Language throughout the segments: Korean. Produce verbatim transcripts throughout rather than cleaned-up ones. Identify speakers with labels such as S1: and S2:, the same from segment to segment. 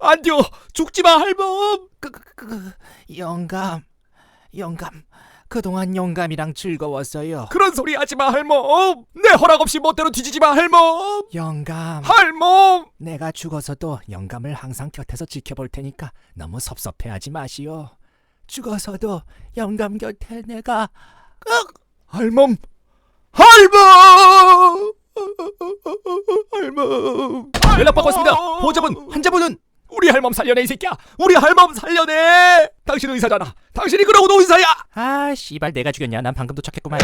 S1: 안돼요. 죽지마 할멈.
S2: 그, 그, 그, 영감, 영감, 그동안 영감이랑 즐거웠어요.
S1: 그런 소리 하지마 할멈. 내 허락 없이 멋대로 뒤지지마 할멈.
S2: 영감,
S1: 할멈.
S2: 내가 죽어서도 영감을 항상 곁에서 지켜볼 테니까 너무 섭섭해하지 마시오. 죽어서도 영감 곁에 내가
S1: 할멈. 할멈. 할멈. 연락 받고 왔습니다. 보호자분, 환자분은 우리 할멈 살려내 이 새끼야. 우리 할멈 살려내. 당신 의사잖아. 당신이 그러고도 의사야.
S2: 아, 씨발 내가 죽였냐? 난 방금 도착했구만.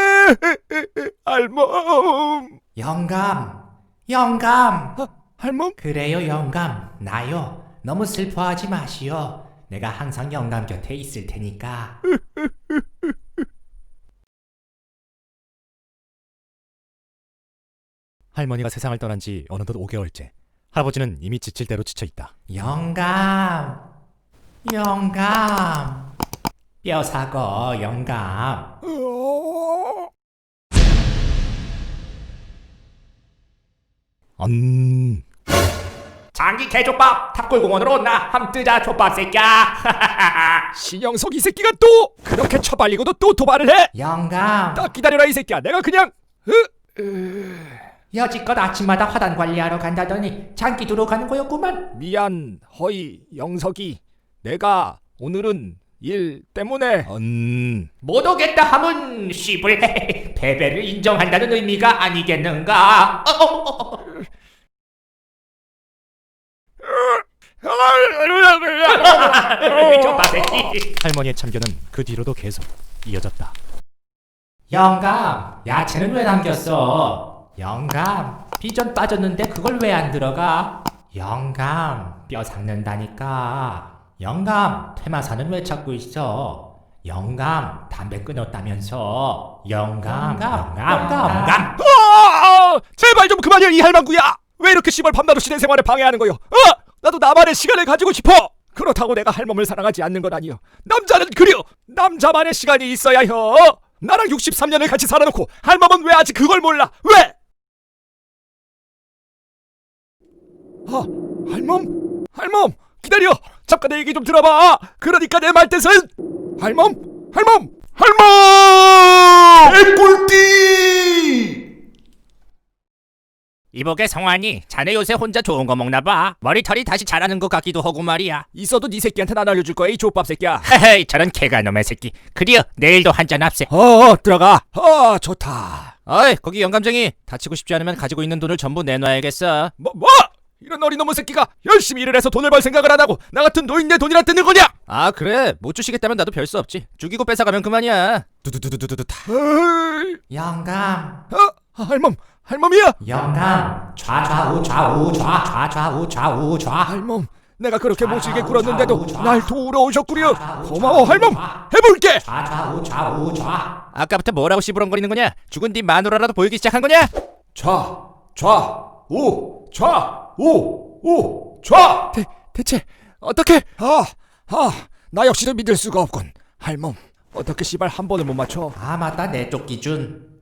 S1: 할멈.
S2: 영감, 영감.
S1: 아, 할멈?
S2: 그래요, 영감. 나요. 너무 슬퍼하지 마시오. 내가 항상 영감 곁에 있을 테니까.
S3: 할머니가 세상을 떠난 지 어느덧 오 개월째. 할아버지는 이미 지칠 대로 지쳐 있다.
S2: 영감, 영감. 뼈사고, 영감.
S3: 음...
S2: 장기 개족밥 탑골공원으로 나 함뜨자 족밥 새끼야.
S1: 신영석 이 새끼가 또 그렇게 처발리고도 또 도발을 해.
S2: 영감,
S1: 딱 기다려라 이 새끼야. 내가 그냥
S2: 여지껏 아침마다 화단 관리하러 간다더니 장기 두러 가는 거였구만.
S1: 미안 허이 영석이. 내가 오늘은 일 때문에
S3: 음...
S2: 못 오겠다 하면 씨불 패배를 인정한다는 의미가 아니겠는가? 어, 어, 어. 족밥 새끼.
S3: 할머니의 참견은 그 뒤로도 계속 이어졌다.
S2: 영감, 야채는 왜 남겼어? 영감, 비전 빠졌는데 그걸 왜 안 들어가? 영감, 뼈 삭는다니까. 영감, 퇴마사는 왜 찾고 있어? 영감, 담배 끊었다면서. 영감, 영감, 영감, 영감.
S1: 아, 제발 좀 그만해 이 할망구야. 왜 이렇게 씨발 밤낮 없이 내 생활을 방해하는 거요? 어? 나도 나만의 시간을 가지고 싶어. 그렇다고 내가 할멈을 사랑하지 않는 건 아니요. 남자는 그려. 남자만의 시간이 있어야 혀. 나랑 육십삼 년을 같이 살아놓고 할멈은 왜 아직 그걸 몰라? 왜? 아, 할멈? 할멈 기다려. 잠깐 내 얘기 좀 들어봐. 그러니까 내 말뜻은 할멈? 할멈? 할멈! 개꿀띠!
S2: 이보게 성환이, 자네 요새 혼자 좋은 거 먹나봐. 머리털이 다시 자라는 것 같기도 하고 말이야.
S1: 있어도 네 새끼한테는 안 알려줄 거야 이 족밥 새끼야.
S2: 헤헤이, 저런 개가놈의 새끼. 그리어 내일도 한잔 합세.
S1: 어 들어가. 어 좋다.
S2: 어이, 거기 영감쟁이. 다치고 싶지 않으면 가지고 있는 돈을 전부 내놔야겠어.
S1: 뭐 뭐? 이런 어린놈의 새끼가 열심히 일을 해서 돈을 벌 생각을 안 하고 나 같은 노인네 돈이나 뜯는 거냐?
S2: 아 그래, 못 주시겠다면 나도 별 수 없지. 죽이고 뺏어가면 그만이야.
S3: 두두두두두두다.
S1: 어이,
S2: 영감,
S1: 어? 할멈, 할멈이야?
S2: 영감. 좌좌우 좌우 좌 좌좌우 좌우 좌.
S1: 할멈, 내가 그렇게 모질게 굴었는데도 날 도우러 오셨구려. 고마워 할멈. 해볼게.
S2: 좌좌우 좌우 좌. 아까부터 뭐라고 씨부렁거리는 거냐? 죽은 뒤 마누라라도 보이기 시작한 거냐?
S1: 좌, 좌, 우, 좌, 우, 우, 좌. 대, 대체 어떻게? 아, 아, 나 역시도 믿을 수가 없군. 할멈, 어떻게 씨발 한 번을 못 맞춰?
S2: 아 맞다, 내 쪽 기준.